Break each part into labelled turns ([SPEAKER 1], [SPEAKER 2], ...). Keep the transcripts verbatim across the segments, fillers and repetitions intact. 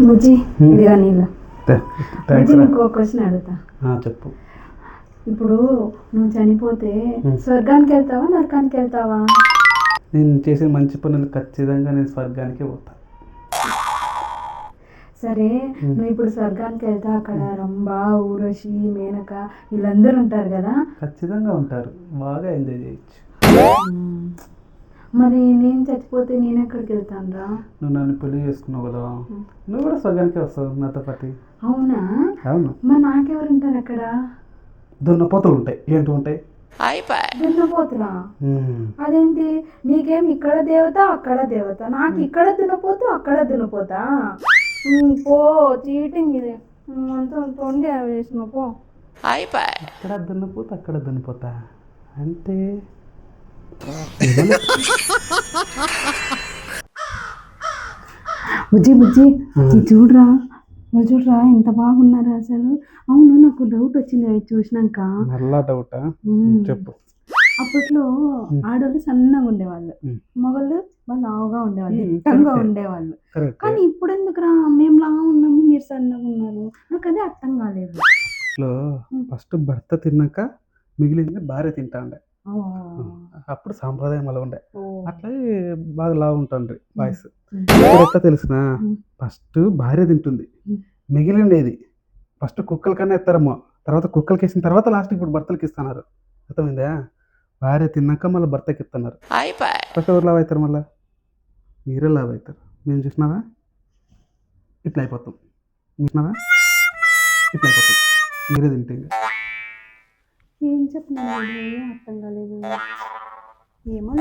[SPEAKER 1] బుజ్జి ఇదిగా నీళ్ళు. బుజ్జి
[SPEAKER 2] థ్యాంక్స్.
[SPEAKER 1] నీకు ఒక క్వశ్చన్ అడుగుతా.
[SPEAKER 2] చెప్పు.
[SPEAKER 1] ఇప్పుడు నువ్వు చనిపోతే స్వర్గానికి వెళ్తావా నరకానికి వెళ్తావా?
[SPEAKER 2] నేను చేసిన మంచి పనులు ఖచ్చితంగా నేను స్వర్గానికి పోతా.
[SPEAKER 1] సరే నువ్వు ఇప్పుడు స్వర్గానికి వెళ్తా, అక్కడ రంభ ఊర్వశి మేనక వీళ్ళందరూ ఉంటారు కదా.
[SPEAKER 2] ఖచ్చితంగా ఉంటారు, బాగా ఎంజాయ్ చేయొచ్చు.
[SPEAKER 1] మరి నేను చచ్చిపోతే నేను ఎక్కడికి వెళ్తాను రా?
[SPEAKER 2] నువ్వు నన్ను పెళ్లి చేసుకున్నావు కదా, నువ్వు కూడా స్వర్గానికి వస్తావు నాతో పాటు.
[SPEAKER 1] అవునా?
[SPEAKER 2] అవును.
[SPEAKER 1] మరి నాకెవరు ఉంటారు అక్కడ?
[SPEAKER 2] దున్నపోతలు ఉంటాయి. ఏంటి ఉంటాయి?
[SPEAKER 1] దున్నపోతురా? అదేంటి, నీకేం ఇక్కడ దేవత అక్కడ దేవత, నాకు ఇక్కడ దున్నపోతూ అక్కడ దున్నపోతా? పో, చీటింగ్ ఇది అంతా తొండి వేసిన పో.
[SPEAKER 2] ఇక్కడ దున్నపోతా అక్కడ దున్నపోతా అంటే
[SPEAKER 1] బుజ్జి బుజ్జి ఇది చూడరా, వాళ్ళు చూడరా ఎంత బాగున్నారు అసలు. అవును, నాకు డౌట్ వచ్చింది అవి చూసినాక.
[SPEAKER 2] నల్లా డౌటా? చెప్పు.
[SPEAKER 1] అప్పట్లో ఆడవాళ్ళు సన్నగా ఉండేవాళ్ళు, మగళ్ళు వాళ్ళు లావుగా ఉండేవాళ్ళు, దిట్టంగా ఉండేవాళ్ళు. కానీ ఇప్పుడు ఎందుకురా మేము లావు ఉన్నాము మీరు సన్నగా ఉన్నారు? నాకు అదే అర్థం కాలేదు.
[SPEAKER 2] ఫస్ట్ భర్త తిన్నాక మిగిలింది భార్య తింటా ఉండే, అప్పుడు సాంప్రదాయం అలా ఉండే. అట్లే బాగా లావు ఉంటాండ్రి బాయ్స్. ఇప్పుడు ఎట్లా తెలిసిన, ఫస్ట్ భార్య తింటుంది, మిగిలిండేది ఫస్ట్ కుక్కల కన్నా ఎత్తారమ్మో, తర్వాత కుక్కలకి వేసిన తర్వాత లాస్ట్ ఇప్పుడు భర్తలకి ఇస్తున్నారు. అర్థమైందా? భార్య తిన్నాక మళ్ళీ భర్తకి ఇస్తున్నారు. ఫస్ట్ ఎవరు లావ్ అవుతారు? మళ్ళీ మీరే లావ్ అవుతారు. మేము చూసినావా ఇట్లా అయిపోతాం, చూసినావా ఇట్లా అయిపోతాం, మీరే తింటే.
[SPEAKER 1] ఏం చెప్పినా అర్థం కాలేదు. ఏమో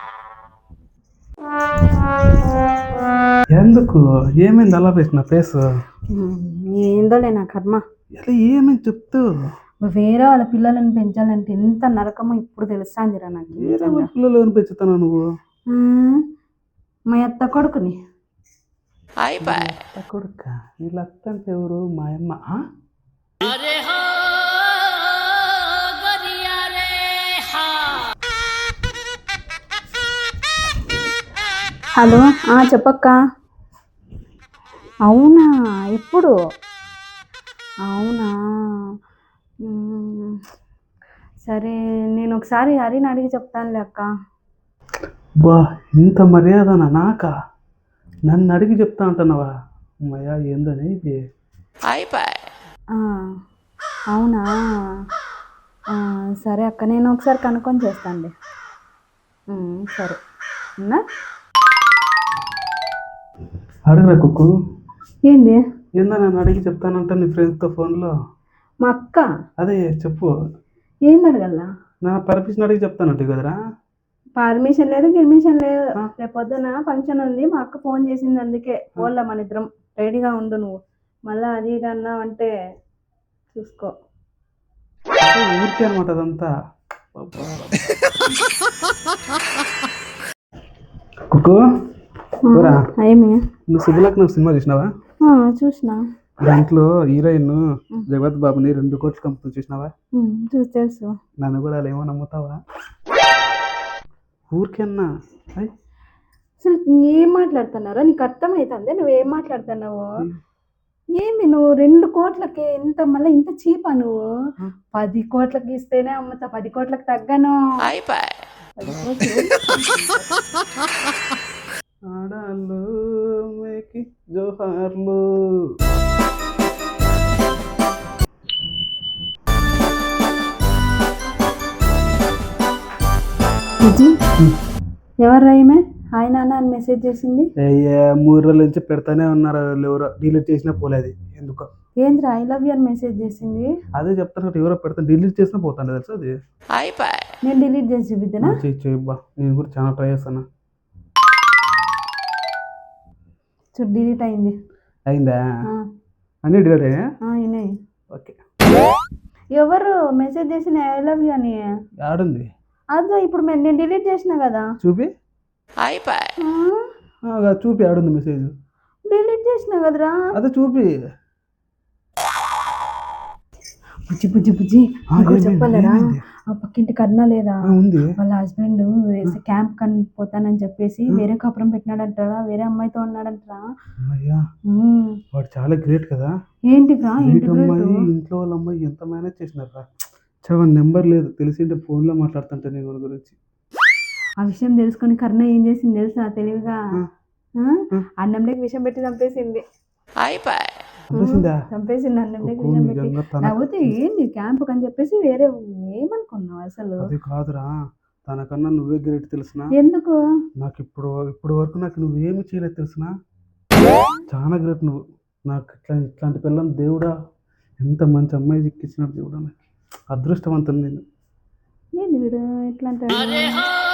[SPEAKER 2] ఎందుకు ఏమైంది అలా వేసిన ఫేస్?
[SPEAKER 1] ఏందోలే నా కర్మ.
[SPEAKER 2] ఇలా ఏమైంది చెప్తూ.
[SPEAKER 1] వేరే వాళ్ళ పిల్లలను పెంచాలంటే ఎంత నరకమో ఇప్పుడు తెలుస్తాందిరా నాకు.
[SPEAKER 2] వేరే వాళ్ళ పిల్లలు పెంచుతాను నువ్వు?
[SPEAKER 1] మా అత్త కొడుకుని.
[SPEAKER 2] అత్త కొడుక? వీళ్ళ అత్త అంటే ఎవరు? మా అమ్మ.
[SPEAKER 1] హలో, చెప్పక్క. అవునా? ఎప్పుడు? అవునా? సరే నేను ఒకసారి హరిని అడిగి చెప్తానులే అక్క.
[SPEAKER 2] బా, ఇంత మర్యాదనా నాకా? నన్ను అడిగి చెప్తా అంటున్నావా? అమ్మయ్యా, ఏందని ఇది?
[SPEAKER 1] అవునా? సరే అక్క, నేను ఒకసారి కనుక్కొని చేస్తానులే. సరే ఉన్నా.
[SPEAKER 2] అడుగురా కుక్కు.
[SPEAKER 1] ఏంది?
[SPEAKER 2] ఏందా నన్ను అడిగి చెప్తానంట నీ ఫ్రెండ్స్తో ఫోన్లో?
[SPEAKER 1] మా అక్క?
[SPEAKER 2] అదే చెప్పు.
[SPEAKER 1] ఏంది అడగల్లా?
[SPEAKER 2] నా పర్మిషన్ అడిగి చెప్తానంట కదరా?
[SPEAKER 1] పర్మిషన్ లేదు గిర్మిషన్ లేదు. రేపు పొద్దున ఫంక్షన్ ఉంది, మా అక్క ఫోన్ చేసింది, అందుకే పోన్లా మన ఇద్దరం. రెడీగా ఉండు నువ్వు, మళ్ళీ అది ఇది అన్నావు అంటే చూసుకో.
[SPEAKER 2] ఊరికే అనమాట అదంతా. కుక్కు
[SPEAKER 1] ఏమి?
[SPEAKER 2] నువ్వు శుభలగ్నం సినిమా చూసినావా?
[SPEAKER 1] చూసినా.
[SPEAKER 2] దాంట్లో హీరోయిన్ జగత్ బాబుని రెండు కోట్లు కంపెనీ చూసినావా?
[SPEAKER 1] చూసి తెలుసు.
[SPEAKER 2] నన్ను కూడా అలా ఏమో నమ్ముతావా? ఊరికేనా?
[SPEAKER 1] అసలు ఏం మాట్లాడుతున్నారో నీకు అర్థమవుతుంది? నువ్వేం మాట్లాడుతున్నావు? ఏంది నువ్వు రెండు కోట్లకి ఇంత, మళ్ళీ ఇంత చీపా నువ్వు? పది కోట్లకి ఇస్తేనే అమ్ముతా, పది కోట్లకి తగ్గను.
[SPEAKER 2] ఆడాళ్ళు మేకి జోహార్లు.
[SPEAKER 1] ఎవరు రాయమే హాయ్ నాన్న అని మెసేజ్ చేసింది?
[SPEAKER 2] అయ్యా, మూడు రోజుల నుంచి పెడతానే ఉన్నారు, ఎవరో డిలీట్ చేసినా పోలేదు. ఎందుకో
[SPEAKER 1] ఏంద్ర ఐ లవ్ యూ అని మెసేజ్ చేసింది?
[SPEAKER 2] అదే చెప్తాను, ఎవరో పెడతాను, డిలీట్ చేసినా పోతాను తెలుసు. అది
[SPEAKER 1] నేను డిలీట్ చేసి చూపిద్దానా?
[SPEAKER 2] చేయబ్బా, నేను కూడా చాలా ట్రై చేస్తాను.
[SPEAKER 1] చూడు, డిలీట్ అయింది.
[SPEAKER 2] అయిందా? అన్నీ డిలీట్ అయ్యా?
[SPEAKER 1] అయినాయి.
[SPEAKER 2] ఓకే.
[SPEAKER 1] ఎవరు మెసేజ్ చేసిన ఐ లవ్ యూ అని?
[SPEAKER 2] ఆడుంది
[SPEAKER 1] అదో ఇప్పుడు నేను డిలీట్ చేసిన కదా,
[SPEAKER 2] చూపి. చూపి ఆడుంది మెసేజ్.
[SPEAKER 1] డిలీట్ చేసిన కదరా,
[SPEAKER 2] అదే చూపి.
[SPEAKER 1] బుజ్జి బుజ్జి బుజ్జి చెప్పలేరా? ఆ పక్కింటి కర్ణ లేదా
[SPEAKER 2] ఆ, ఉంది.
[SPEAKER 1] వాళ్ళ హస్బెండ్ క్యాంప్ కని పోతానని చెప్పేసి వేరే కాపురం పెట్టినాడంటారా, వేరే అమ్మాయితో ఉన్నాడంటారా.
[SPEAKER 2] అమ్మయ్యా,
[SPEAKER 1] ఉమ్.
[SPEAKER 2] వాడు చాలా గ్రేట్ కదా.
[SPEAKER 1] ఏంటిగా ఏంటి
[SPEAKER 2] బయట
[SPEAKER 1] గ్రేట్?
[SPEAKER 2] అమ్మాయి ఇంట్లో వాళ్ళ అమ్మాయి ఎంత మేనేజ్ చేసినారా. చవన్ నెంబర్ లేదు, తెలిసింటే ఫోన్లో మాట్లాడుతుంటే నేను వాళ్ళ గురించి.
[SPEAKER 1] ఆ విషయం తెలుసుకొని కర్ణ ఏం చేసింది తెలుసా తెలివిగా,
[SPEAKER 2] ఆ,
[SPEAKER 1] ఆ?
[SPEAKER 2] ఆ.
[SPEAKER 1] అన్నంలోకి విషం పెట్టి చంపేసింది.
[SPEAKER 2] చంపేసిందా?
[SPEAKER 1] చంపేసింది అన్నంలోకి
[SPEAKER 2] కుక్కు
[SPEAKER 1] విషం పెట్టి.
[SPEAKER 2] నిజంగా తన
[SPEAKER 1] లేకపోతే ఏంది క్యాంప్ అని చెప్పేసి వేరే ఏమనుకున్నావు అసలు?
[SPEAKER 2] అది కాదురా, తనకన్నా నువ్వే గ్రేట్ తెలిసిన.
[SPEAKER 1] ఎందుకు?
[SPEAKER 2] నాకు ఇప్పుడు ఇప్పుడు వరకు నాకు నువ్వేమి చేయలేదు తెలిసిన. చాలా గ్రేట్ నువ్వు. నాకు ఇట్లా ఇట్లాంటి పిల్లని దేవుడా, ఎంత మంచి అమ్మాయి చిక్కించినాడు దేవుడా, నాకు అదృష్టవంతుని నేను.
[SPEAKER 1] ఏంది వీడు ఇట్లా అంటాడు?